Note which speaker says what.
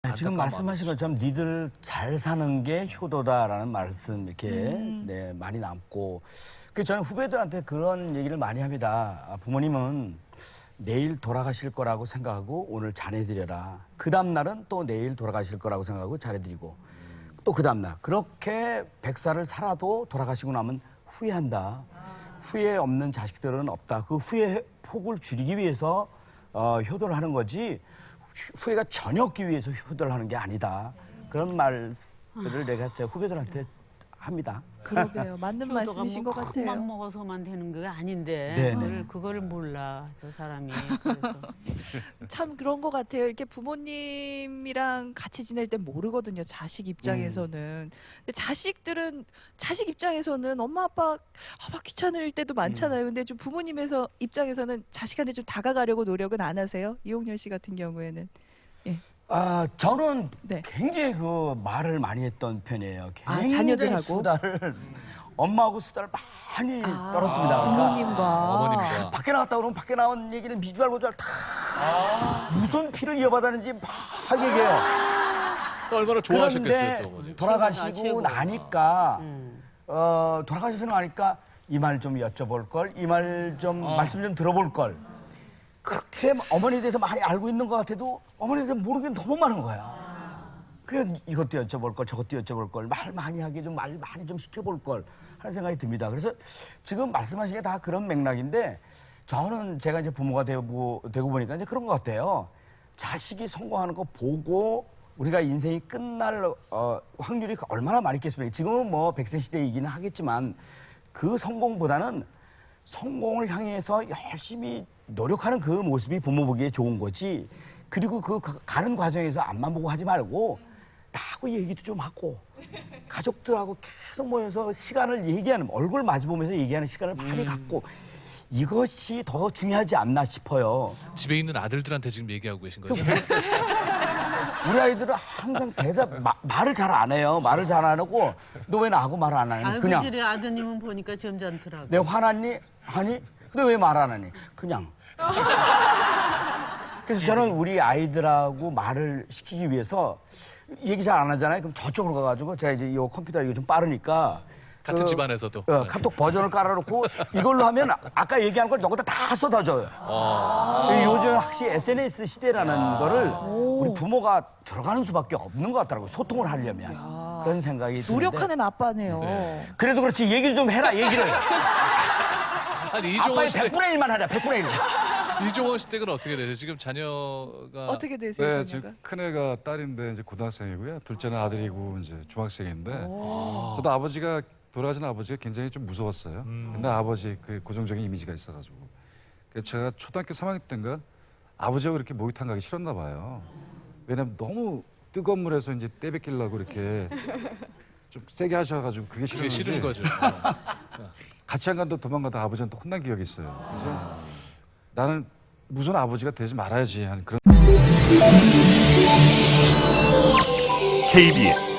Speaker 1: 지금 말씀하신 것처럼 니들 잘 사는 게 효도다라는 말씀 이렇게 네, 많이 남고 저는 후배들한테 그런 얘기를 많이 합니다. 부모님은 내일 돌아가실 거라고 생각하고 오늘 잘해드려라. 그 다음날은 또 내일 돌아가실 거라고 생각하고 잘해드리고 또 그 다음날 그렇게 100살을 살아도 돌아가시고 나면 후회한다. 후회 없는 자식들은 없다. 그 후회 폭을 줄이기 위해서 효도를 하는 거지 후회가 전혀 없기 위해서 효도를 하는 게 아니다. 그런 말을 내가 제 후배들한테 합니다.
Speaker 2: 그러게요. 맞는 말씀이신 것 같아요.
Speaker 3: 맘 먹어서만 되는 게 아닌데
Speaker 1: 네네.
Speaker 3: 그거를 몰라 저 사람이. 그래서.
Speaker 2: 참 그런 것 같아요. 이렇게 부모님이랑 같이 지낼 때 모르거든요. 자식 입장에서는. 근데 자식 입장에서는 엄마 아빠 귀찮을 때도 많잖아요. 근데 좀 부모님에서 입장에서는 자식한테 좀 다가가려고 노력은 안 하세요? 이홍렬 씨 같은 경우에는. 예.
Speaker 1: 저는
Speaker 2: 네.
Speaker 1: 굉장히 그 말을 많이 했던 편이에요. 굉장히
Speaker 2: 자녀들하고?
Speaker 1: 수다를 엄마하고 수다를 많이 떨었습니다. 그러니까
Speaker 2: 부모님과.
Speaker 4: 어머님과.
Speaker 1: 밖에 나갔다 그러면 밖에 나온 얘기는 미주알 고주알 다 무슨 피를 이어받았는지 막 얘기해요.
Speaker 4: 또 얼마나 좋아하셨겠어요,
Speaker 1: 그런데
Speaker 4: 또 어머니.
Speaker 1: 돌아가시고
Speaker 3: 최고다.
Speaker 1: 나니까 돌아가시고 나니까 이 말 좀 여쭤볼 걸, 이 말 좀 말씀 좀 들어볼 걸. 그렇게 어머니에 대해서 많이 알고 있는 것 같아도 어머니에 대해서 모르는 게 너무 많은 거야. 그래 이것도 여쭤볼 걸, 저것도 여쭤볼 걸, 말 많이 하게 좀 말 많이 좀 시켜볼 걸 하는 생각이 듭니다. 그래서 지금 말씀하신 게 다 그런 맥락인데 저는 제가 이제 부모가 되고 보니까 이제 그런 것 같아요. 자식이 성공하는 거 보고 우리가 인생이 끝날 확률이 얼마나 많이 있겠습니까? 지금은 뭐 100세 시대이기는 하겠지만 그 성공보다는 성공을 향해서 열심히 노력하는 그 모습이 부모 보기에 좋은 거지. 그리고 그 가는 과정에서 앞만 보고 하지 말고 나하고 얘기도 좀 하고 가족들하고 계속 모여서 시간을 얘기하는 얼굴 마주보면서 얘기하는 시간을 많이 갖고 이것이 더 중요하지 않나 싶어요.
Speaker 4: 집에 있는 아들들한테 지금 얘기하고 계신 거죠?
Speaker 1: 우리 아이들은 항상 말을 잘 안 해요. 말을 잘 안 하고 너 왜 나하고 말을 안 하니?
Speaker 3: 아이고
Speaker 1: 그냥
Speaker 3: 저리 아드님은 보니까 점잖더라고.
Speaker 1: 내 화났니? 하니? 근데 왜 말 안 하니? 그냥. 그래서 저는 우리 아이들하고 말을 시키기 위해서 얘기 잘 안 하잖아요. 그럼 저쪽으로 가가지고 제가 이제 이 컴퓨터 이거 좀 빠르니까
Speaker 4: 같은 집안에서도.
Speaker 1: 카톡 버전을 깔아놓고 이걸로 하면 아까 얘기한 걸 여기다 다 쏟아줘요. 요즘 확실히 SNS 시대라는 거를 우리 부모가 들어가는 수밖에 없는 것 같더라고요. 소통을 하려면. 그런 생각이 드는데.
Speaker 2: 노력하는 아빠네요.
Speaker 1: 그래도 그렇지 얘기 좀 해라 얘기를.
Speaker 4: 아니
Speaker 1: 아빠의
Speaker 4: 이종원 씨 댁,
Speaker 1: 100분의 1만 하자 100분의 1.
Speaker 4: 이종원 씨 댁은 어떻게 되세요? 지금 자녀가
Speaker 2: 어떻게 되세요,
Speaker 5: 네,
Speaker 2: 자녀가?
Speaker 5: 지금 큰애가 딸인데 이제 고등학생이고요. 둘째는 아들이고 이제 중학생인데 저도 아버지가 돌아가신 아버지가 굉장히 좀 무서웠어요. 옛날 아버지 그 고정적인 이미지가 있어가지고 그래서 제가 초등학교 3학년 때인가 아버지하고 이렇게 목욕탕 가기 싫었나 봐요. 왜냐면 너무 뜨거운 물에서 이제 때 뱉기려고 이렇게 좀 세게 하셔가지고 그게
Speaker 4: 그게
Speaker 5: 싫었는지
Speaker 4: 싫은 거죠.
Speaker 5: 같이 안 간다 도망가다 아버지한테 혼난 기억이 있어요. 그래서 나는 무슨 아버지가 되지 말아야지 하는 그런.
Speaker 6: KBS